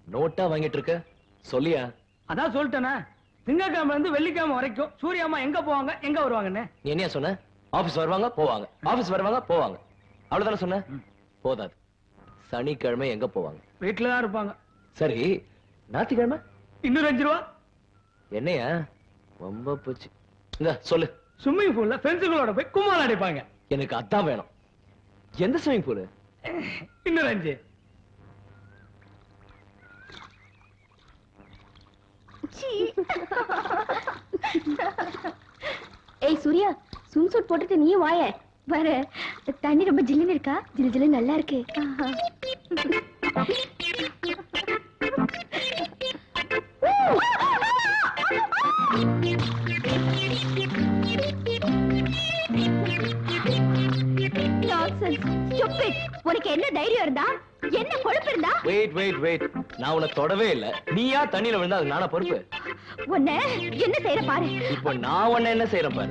NOTA வாங்கிட்டு இருக்க சொல்லியா? அதான் சொல்லிட்டேனே, திங்கக்கிழமை இருந்து வெள்ளிக்கிழமை வரைக்கும் சூர்யாமா எங்க போவாங்க எங்க வருவாங்கன்னு. நீ என்ன சொன்ன? ஆபீஸ் வருவாங்க போவாங்க, ஆபீஸ் வருவாங்க போவாங்க, அவ்வளவுதானே சொன்ன? போதாது. சனிக்கிழமை எங்க போவாங்க? வீட்டுலதான் இருப்பாங்க. சரி, ஞாயிற்றுக்கிழமை இன்னும் 5 ரூபா. என்னையா ரொம்ப போச்சு. இந்த சொல்லு. ஸ்விம்மிங் பூல்ல ஃப்ரெண்ட்ஸுங்களோட போய் கும்மாள் அடிப்பாங்க. எனக்கு அதான் வேணும். எந்த ஸ்விமிங் பூல்? இன்னும் 5. ஏய் சூர்யா, ஸ்விம் சூட் போட்டுட்டு நீ வாய வர. தண்ணி ரொம்ப ஜில்லுன்னு இருக்கா? ஜிலு ஜில்லு நல்லா இருக்கு. உனக்கு என்ன தைரியம் இருந்தா, என்ன கொழுப்பு இருந்தா? வெயிட் வெயிட் வெயிட், நான் உன்னை தொடவே இல்ல. நீயா தண்ணியில விழுந்தா அது நானா பொறுப்பு? உன்னை என்ன செய்யற பாரு. இப்போ நான் உன்னை என்ன செய்யறேன் பாரு.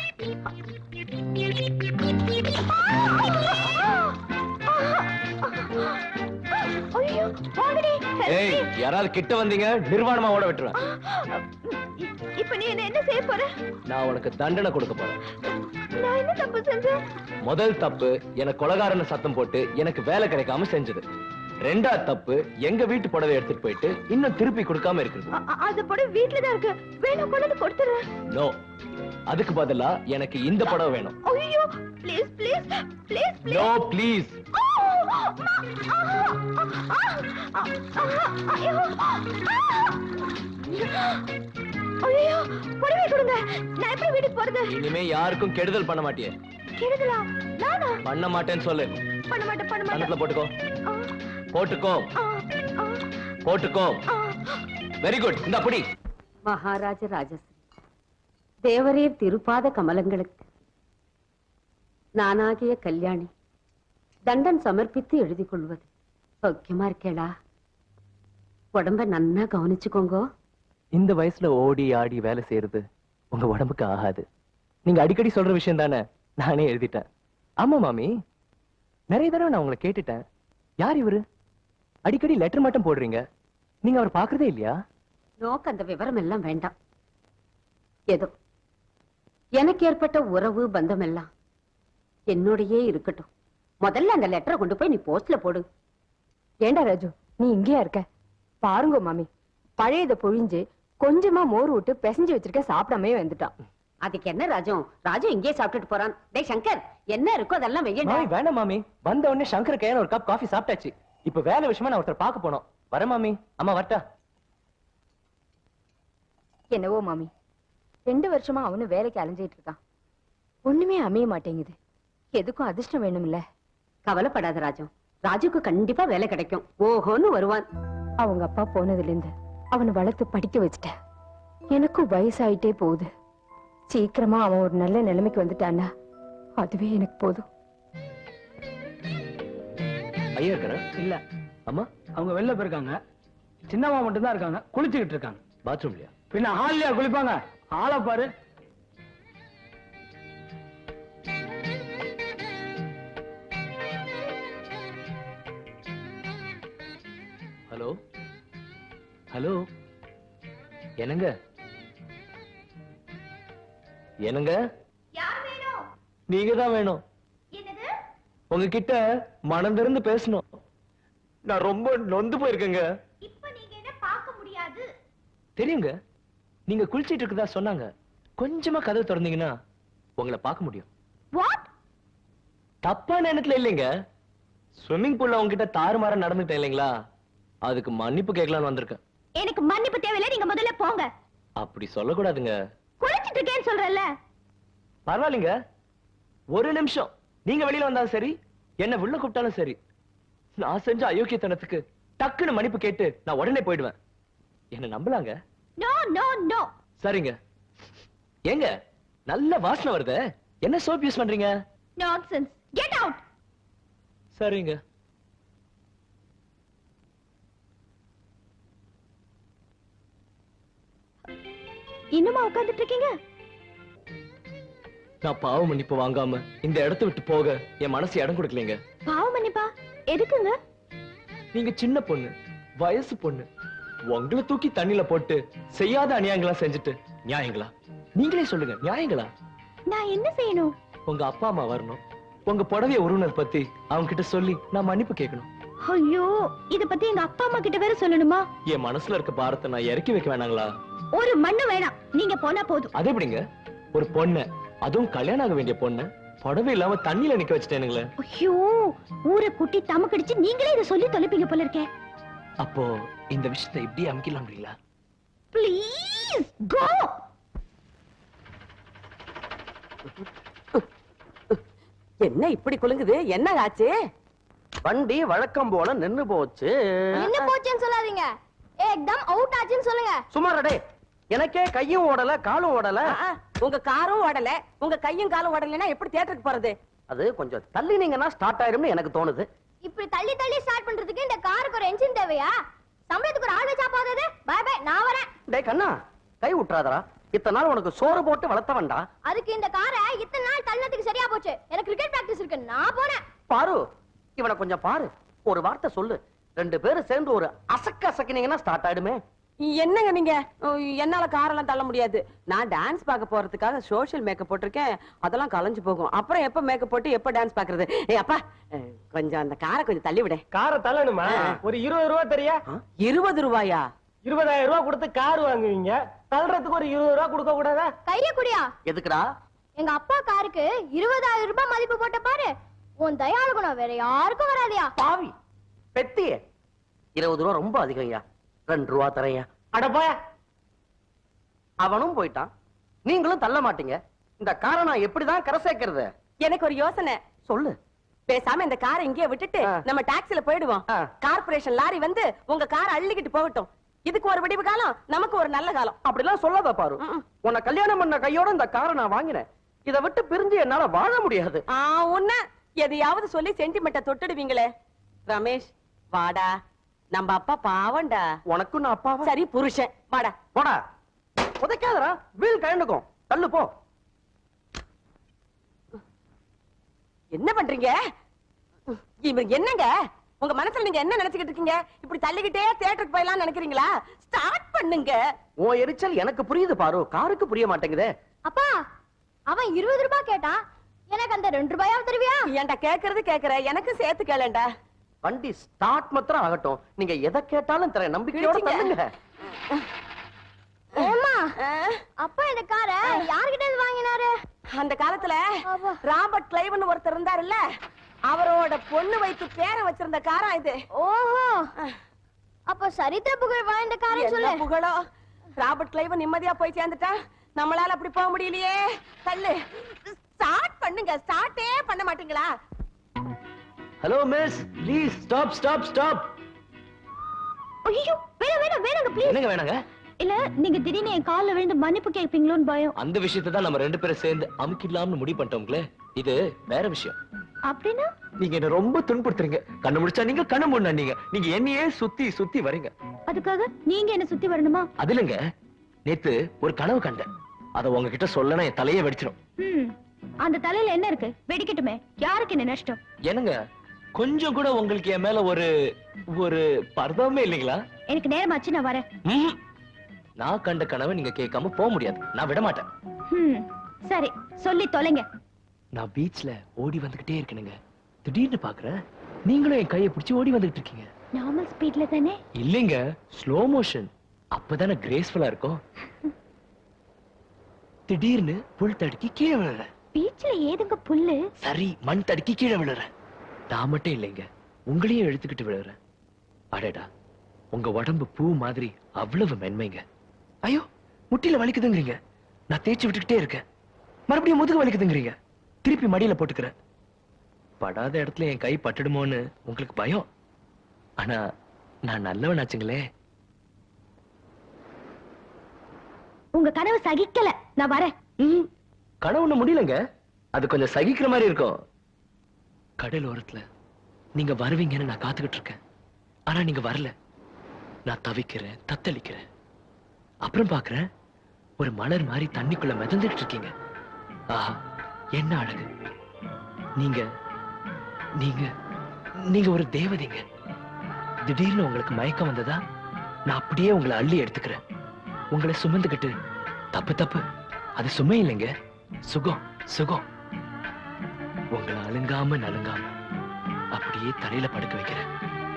ஏய், யாராவது கிட்ட வந்தீங்க நிர்வாணமா ஓட விட்டுருவேன். இப்ப நீ என்ன செய்ய போற? நான் உனக்கு தண்டனை கொடுக்க போறேன். நான் என்ன தப்பு செஞ்சேன்? முதல் தப்பு எனக்கு கொலகாரன்னு சத்தம் போட்டு எனக்கு வேலை கிடைக்காம செஞ்சது. 2வது தப்பு எங்க வீட்டு புடவை எடுத்துட்டு போயிட்டு இன்னும் திருப்பி கொடுக்காம இருக்குது. அது புடவை வீட்ல தான் இருக்கு, வேணும் கொண்டு கொடுத்துறேன். நோ, அதுக்கு பதிலா எனக்கு இந்த புடவை வேணும். ஐயோ please please please please. No please. ஐயோ புடவை கொடுங்க, நான் எப்படி வீட்டுக்கு போறது? இனிமே யாருக்கும் கெடுதல் பண்ண மாட்டியே? கெடுதலா? நானா? பண்ண மாட்டேன்னு சொல்லு. பண்ண மாட்டேன் பண்ண மாட்டேன். கணக்குல போட்டுக்கோ போட்டுக்கோ போட்டுக்கோ. Very good. இந்த அப்படி மகாராஜ ராஜஸ்ரீ தேவரீர் திருப்பாத கமலங்களுக்கு நானாகிய கல்யாணி தண்டன் சமர்ப்பித்து எழுதி கொள்வது சௌக்கியமா இருக்கேளா? உடம்ப நன்னா கவனிச்சுக்கோங்க. இந்த வயசுல ஓடி ஆடி வேலை செய்யறது உங்க உடம்புக்கு ஆகாது. நீங்க அடிக்கடி சொல்ற விஷயம் தானே, நானே எழுதிட்டேன். ஆமா மாமி, நிறைய தடவை நான் உங்களை கேட்டுட்டேன். யார் இவரு? அடிக்கடி லெட்டர் மட்டும் போடுறீங்க, நீங்க அவர் பாக்குறதே இல்லையா? நோக்கு அந்த விவரம் எல்லாம் வேண்டாம். ஏதோ எனக்கு ஏற்பட்ட உறவு பந்தம் எல்லாம் என்னோடையே இருக்கட்டும். முதல்ல அந்த லெட்டரை கொண்டு போய் நீ போஸ்ட்ல போடு. ஏண்டா ராஜு, நீ இங்கேயா இருக்க? பாருங்க மாமி, பழையதை பொழிஞ்சு கொஞ்சமா மோர் விட்டு பிசைஞ்சு வச்சிருக்க, சாப்பிடாமே வந்துட்டான். அதுக்கு என்ன ராஜு, ராஜு இங்கே சாப்பிட்டுட்டு போறான். டேய் சங்கர், என்ன இருக்கோ அதெல்லாம் வெய்யண்டா. மாமி வேண்டாம் மாமி, வந்த உடனே சங்கர் கையால ஒரு கப் காஃபி சாப்பிட்டாச்சு. இப்ப வேலை விஷயமா நான் ஒருத்தர் பார்க்க போனோம். வர மாமி. அம்மா வரட்டா? என்னவோ மாமி, 2 வருஷமா அவனு வேலைக்கு அலைஞ்சிட்டு இருக்கான். ஒண்ணுமே அமைய மாட்டேங்குது. எதுக்கும் அதிர்ஷ்டம் வேணும்ல. கவலைப்படாத ராஜு, ராஜுக்கு கண்டிப்பா வேலை கிடைக்கும். ஓஹோன்னு வருவான். அவங்க அப்பா போனதுல இருந்து அவனை வளர்த்து படிக்க வச்சுட்டேன். எனக்கும் வயசாயிட்டே போகுது. சீக்கிரமா அவன் ஒரு நல்ல நிலைமைக்கு வந்துட்டான்னா அதுவே எனக்கு போதும். ஐயா இருக்கிற இல்ல அம்மா அவங்க வெளில போயிருக்காங்க. சின்னம்மா மட்டும் தான் இருக்காங்க, குளிச்சுக்கிட்டு இருக்காங்க. பாத்ரூம்லயா? பின்ன ஹால்லயா குளிப்பாங்க? ஆளை பாரு. ஹலோ ஹலோ, என்னங்க என்னங்க? நீங்க தான் வேணும். உங்ககிட்ட மனம் திறந்து பேசணும். நான் ரொம்ப நொந்து போயிருக்கேங்க. தெரியுங்க, நீங்க குளிச்சிட்டு இருக்கதா சொன்னாங்க. கொஞ்சமா கதவு திறந்தீங்கன்னா உங்களை பார்க்க முடியும். தப்பான எண்ணத்துல இல்லைங்க. ஸ்விம்மிங் பூல்ல உங்ககிட்ட தாறுமாற நடந்துட்டேன் இல்லைங்களா, அதுக்கு மன்னிப்பு கேட்கலான்னு வந்திருக்கேன். எனக்கு மன்னிப்பு தேவையில்லை, நீங்க முதல்ல போங்க. அப்படி சொல்லக்கூடாதுங்க. குளிச்சிட்டு இருக்கேன்னு சொல்றேன்ல. பரவாயில்லைங்க, ஒரு நிமிஷம் நீங்க வெளியில வந்தாலும் சரி, என்ன உள்ள கூப்பிட்டாலும் சரி, நான் செஞ்ச அயோக்கியத்தனத்துக்கு டக்குன்னு மன்னிப்பு கேட்டு நான் உடனே போயிடுவேன். என்ன நம்பலாங்க? No no no. சரிங்க. ஏங்க நல்ல வாசனை வருது, என்ன சோப் யூஸ் பண்றீங்க? Nonsense, get out. சரிங்க. இன்னுமா உட்கார்ந்துட்டு இருக்கீங்க? நான் பாவ மன்னிப்பு வாங்காம இந்த இடத்தை விட்டு போக என் மனசு இடம் கொடுக்கலங்க. பாவ மன்னிப்பா? எதுக்குங்க? நீங்க சின்ன பொண்ணு, வயசு பொண்ணு உங்களை தூக்கி தண்ணில போட்டு செய்யாத அநியாயங்களா செஞ்சுட்டு நியாயங்களா? நீங்களே சொல்லுங்க, நியாயங்களா? நான் என்ன செய்யணும்? உங்க அப்பா அம்மா வரணும், உங்க புடவைய உறவினர் பத்தி அவங்க கிட்ட சொல்லி நான் மன்னிப்பு கேட்கணும். ஐயோ, இத பத்தி எங்க அப்பா அம்மா கிட்ட வேற சொல்லணுமா? என் மனசுல இருக்க பாரத்தை நான் இறக்கி வைக்க வேணாங்களா? ஒரு மண்ணு வேணாம், நீங்க போனா போதும். அது எப்படிங்க? ஒரு பொண்ணு, அதுவும் கல்யாணம் ஆக வேண்டிய பொண்ணு, புடவை இல்லாம தண்ணியில நிக்க வச்சுட்டேனுங்களே. ஐயோ, ஊரை குட்டி தமக்கடிச்சு நீங்களே இத சொல்லி தொலைப்பீங்க போல இருக்கே. அப்போ இந்த விஷயத்தை இப்படி அமுக்கிடலாம்ங்களா? Please go. என்ன இப்படி குலுங்குது? என்ன ஆச்சு? வண்டி வழக்கம் போல நின்னு போச்சு. என்ன போச்சுன்னு சொல்லாதீங்க, ஏக்தம் அவுட் ஆச்சுன்னு சொல்லுங்க. சுமாரடே, எனக்கே கையும் ஓடல காலும் ஓடல. உங்க காரும் ஓடல, உங்க கையும் காலும் ஓடலைன்னா எப்படி தியேட்டருக்கு போறது? அது கொஞ்சம் தள்ளினீங்கன்னா ஸ்டார்ட் ஆயிரும்னு எனக்கு தோணுது. இப்படி தள்ளி தள்ளி ஸ்டார்ட் பண்றதுக்கு இந்த காருக்கு ஒரு என்ஜின் தேவையா? சம்பளத்துக்கு ஒரு ஆள் வச்சா போதாது? பை பை, நான் வரேன். டேய் கண்ணா, கை விட்டுறாதடா. இத்தனை நாள் உனக்கு சோறு போட்டு வளர்த்தவன்டா. அதுக்கு இந்த காரை இத்தனை நாள் தள்ளதுக்கு சரியா போச்சு. எனக்கு கிரிக்கெட் பிராக்டிஸ் இருக்கு, நான் போறேன். பாரு, இவனை கொஞ்சம் பாரு. ஒரு வார்த்தை சொல்லு, 2 பேரும் சேர்ந்து ஒரு அசக்கினீங்கன்னா ஸ்டார்ட் ஆயிடுமே. என்னங்க நீங்க? என்னால காரெல்லாம் தள்ள முடியாது. நான் டான்ஸ் பார்க்க போறதுக்காக சோஷியல் மேக்கப் போட்டிருக்கேன். அதெல்லாம் கலைஞ்சு போகும். அப்புறம் எப்ப மேக்கப் போட்டு எப்ப டான்ஸ் பாக்குறது? ஏய் அப்பா, கொஞ்சம் அந்த காரை கொஞ்சம் தள்ளி விட. காரை தள்ளணுமா? ஒரு 20 ரூபா தெரியா? 20 ரூபாயா? 20,000 ரூபாய் கொடுத்து கார் வாங்குவீங்க, தள்ளுறதுக்கு ஒரு 20 ரூபாய் கொடுக்க கூடாதா? கைய குடியா. எதுக்குடா? எங்க அப்பா காருக்கு 20,000 ரூபாய் மதிப்பு போட்ட பாரு. உன் தயாளு குணம் வேற யாருக்கும் வராதியா? பாவி பெத்தியே, 20 ரூபா ரொம்ப அதிகம்யா. 2 ரூபா தரையா. அட போயா. அவனும் போயிட்டான், நீங்களும் தள்ள மாட்டீங்க. இந்த காரை நான் எப்படிதான் கரை சேர்க்கிறது? எனக்கு ஒரு யோசனை. சொல்லு. பேசாம இந்த காரை இங்கேயே விட்டுட்டு நம்ம டாக்ஸில போயிடுவோம். கார்ப்பரேஷன் லாரி வந்து உங்க காரை அள்ளிக்கிட்டு போகட்டும். இதுக்கு ஒரு விடிவு காலம், நமக்கு ஒரு நல்ல காலம். அப்படிலாம் சொல்லாத பாரு. உன்னை கல்யாணம் பண்ண கையோட இந்த காரை நான் வாங்கினேன். இதை விட்டு பிரிஞ்சு என்னால வாழ முடியாது. உன்ன எதையாவது சொல்லி சென்டிமெண்ட்ட தொட்டுடுவீங்களே. ரமேஷ் வாடா, நம்ம அப்பா பாவண்டா. உனக்கும் நான் அப்பாவா? சரி புருஷன், வாடா. போடா, உதைக்காதடா, வீல் கழண்டுக்கும். தள்ளு போ. என்ன பண்றீங்க? இவங்க என்னங்க? உங்க மனசுல நீங்க என்ன நினைச்சுக்கிட்டு இருக்கீங்க? இப்படி தள்ளிக்கிட்டே தியேட்டருக்கு போயலாம் நினைக்கிறீங்களா? ஸ்டார்ட் பண்ணுங்க. உன் எரிச்சல் எனக்கு புரியுது பாரு, காருக்கு புரிய மாட்டேங்குதே. அப்பா, அவன் 20 ரூபாய் கேட்டான், எனக்கு அந்த 2 ரூபாயாவது தருவியா? ஏன்டா கேக்குறது கேக்குற, எனக்கு சேர்த்து கேளண்டா. வண்டி ஸ்டார்ட் மாத்திரம் ஆகட்டும், நீங்க எதை கேட்டாலும் தரேன். நம்பிக்கையோட தள்ளுங்க. ஏம்மா, அப்பா இந்த காரை யார்கிட்ட இருந்து வாங்கினாரு? அந்த காலத்துல ஆமா. ராபர்ட் கிளைவ்னு ஒருத்தர் இருந்தாருல்ல, அவரோட பொண்ணு வைத்து பேரை வச்சிருந்த காரா இது. ஓஹோ, அப்ப சரித்திர புகழ் வாய்ந்த காரை சொல்லு. என்ன புகழோ? ராபர்ட் கிளைவ் நிம்மதியா போய் சேர்ந்துட்டா, நம்மளால அப்படி போக முடியலையே. தள்ளு. ஸ்டார்ட் பண்ணுங்க. ஸ்டார்ட்டே பண்ண மாட்டீங்களா? Hello miss, please stop stop stop. ஐயோ, வேணாங்க ப்ளீஸ். என்னங்க வேணாங்க? இல்ல, நீங்க திடீர்னு என் கால்ல விழுந்து மன்னிப்பு கேட்பீங்களோன்னு பயம். அந்த விஷயத்தை தான் நம்ம 2 பேரும் சேர்ந்து அமுக்கிடலாம்னு முடிவு பண்ணிட்டோம்களே. இது வேற விஷயம். அப்படின்னா நீங்க என்ன ரொம்ப துன்புறுத்துறீங்க. கண்ணு முடிச்சா நீங்க, கண்ணு மூடினா நீங்க. நீங்க என்னையே சுத்தி சுத்தி வரீங்க. அதுக்காக நீங்க என்ன சுத்தி வரணுமா? அது இல்லைங்க, நேத்து ஒரு கனவு கண்டேன். அத உங்ககிட்ட சொல்லனா என் தலையே வெடிச்சிடும். அந்த தலையில என்ன இருக்கு? வெடிக்கட்டுமே, யாருக்கு என்ன நஷ்டம்? என்னங்க, கொஞ்சம் கூட உங்களுக்கு என் மேல ஒரு ஒரு பர்வமே இல்லைங்களா? எனக்கு நேரமாச்சு, நான் வரேன். நான் கண்ட கனவை நீங்க கேட்காம போக முடியாது. நான் விட மாட்டேன். சரி, சொல்லி தொலைங்க. நான் பீச்ல ஓடி வந்துகிட்டே இருக்கேனுங்க. திடீர்னு பாக்குறேன் நீங்களும் என் கையை பிடிச்சி ஓடி வந்துகிட்டு இருக்கீங்க. நார்மல் ஸ்பீட்ல தானே? இல்லைங்க, ஸ்லோ மோஷன். அப்பதானே கிரேஸ்ஃபுல்லா இருக்கும். திடீர்னு புல் தடுக்கி கீழே விழுறேன். பீச்ல ஏதுங்க புல்லு? சரி, மண் தடுக்கி கீழே விழுறேன். நான் மட்டும் இல்லைங்க, உங்களையும் எடுத்துக்கிட்டு விழுறேன். அடடா, உங்க உடம்பு பூ மாதிரி அவ்வளவு மென்மைங்க. ஐயோ, முட்டில வலிக்குதுங்கிறீங்க. நான் தேய்ச்சி விட்டுக்கிட்டே இருக்கேன். மறுபடியும் முதுகு வலிக்குதுங்கிறீங்க. திருப்பி மடியில போட்டுக்கிறேன். படாத இடத்துல என் கை பட்டுடுமோன்னு உங்களுக்கு பயம். ஆனா நான் நல்லவனாச்சுங்களே. உங்க கனவு சகிக்கல, நான் வரேன். கனவு ஒண்ணு முடியலங்க, அது கொஞ்சம் சகிக்கிற மாதிரி இருக்கும். கடல் ஓரத்துல நீங்க வருவீங்கன்னு நான் காத்துக்கிட்டு இருக்கேன். ஆனா நீங்க வரல. நான் தவிக்கிறேன், தத்தளிக்கிறேன். அப்புறம் பாக்குறேன் ஒரு மலர் மாதிரி தண்ணிக்குள்ள மிதந்துட்டு இருக்கீங்க. ஆஹா, என்ன அழகு. நீங்க நீங்க நீங்க ஒரு தேவதைங்க. திடீர்னு உங்களுக்கு மயக்கம் வந்ததா நான் அப்படியே உங்களை அள்ளி எடுத்துக்கிறேன். உங்களை சுமந்துக்கிட்டு தப்பு தப்பு அது சுமை இல்லைங்க, சுகம் சுகம். உங்களை அழுங்காம நலுங்காம அப்படியே தலையில படுக்க வைக்கிறேன்.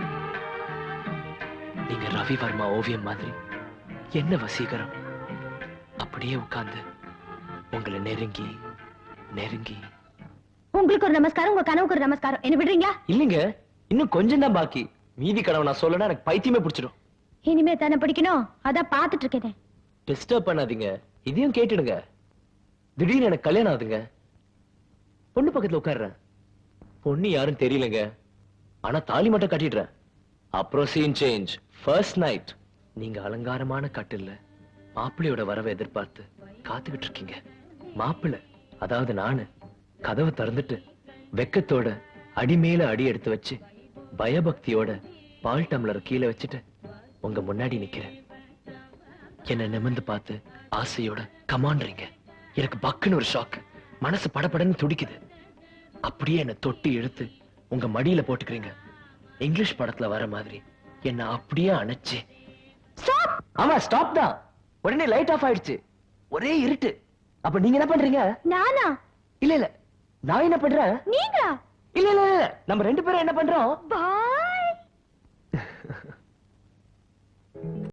நீங்க ரவி வர்மா ஓவியம் மாதிரி என்ன வசீகரம். அப்படியே உட்கார்ந்து உங்களை நெருங்கி நெருங்கி. உங்களுக்கு ஒரு நமஸ்காரம், உங்க கனவுக்கு ஒரு நமஸ்காரம். என்ன விடுறீங்களா? இல்லைங்க, இன்னும் கொஞ்சம் தான் பாக்கி. மீதி கனவு நான் சொல்லனா எனக்கு பைத்தியமே பிடிச்சிடும். இனிமே தானே பிடிக்கணும், அதான் பாத்துட்டு இருக்கேன். டிஸ்டர்ப் பண்ணாதீங்க, இதையும் கேட்டுடுங்க. திடீர்னு எனக்கு கல்யாணம் ஆகுதுங்க. பொண்ணு பக்கத்துல உட்கார்றேன். பொண்ணு யாரும் தெரியலங்க, ஆனா தாலி மட்டும் கட்டிடுறேன். அப்புறம் சீன் சேஞ்ச். ஃபர்ஸ்ட் நைட் நீங்க அலங்காரமான கட்டில்ல மாப்பிள்ளையோட வரவை எதிர்பார்த்து காத்துக்கிட்டு இருக்கீங்க. மாப்பிள்ளை, அதாவது நானு, கதவை திறந்துட்டு வெக்கத்தோட அடி மேல அடி எடுத்து வச்சு பயபக்தியோட பால் டம்ளர் கீழே வச்சுட்டு உங்க முன்னாடி நிக்கிறேன். என்ன நிமிர்ந்து பார்த்து ஆசையோட கமான்றீங்க. எனக்கு பக்குன்னு ஒரு ஷாக், மனசு படபடன்னு துடிக்குது. அப்படியே என்ன தொட்டி இழுத்து உங்க மடியில போட்டுக்கிறீங்க. இங்கிலீஷ் படத்துல வர மாதிரி என்ன அப்படியே அணைச்சு. ஆமா, ஸ்டாப் தான். உடனே லைட் ஆஃப் ஆயிடுச்சு. ஒரே இருட்டு. அப்ப நீங்க என்ன பண்றீங்க? நானா? இல்ல இல்ல, நான் என்ன பண்றேன்? நீங்க? இல்ல இல்ல இல்ல, நம்ம ரெண்டு பேரும் என்ன பண்றோம்? பா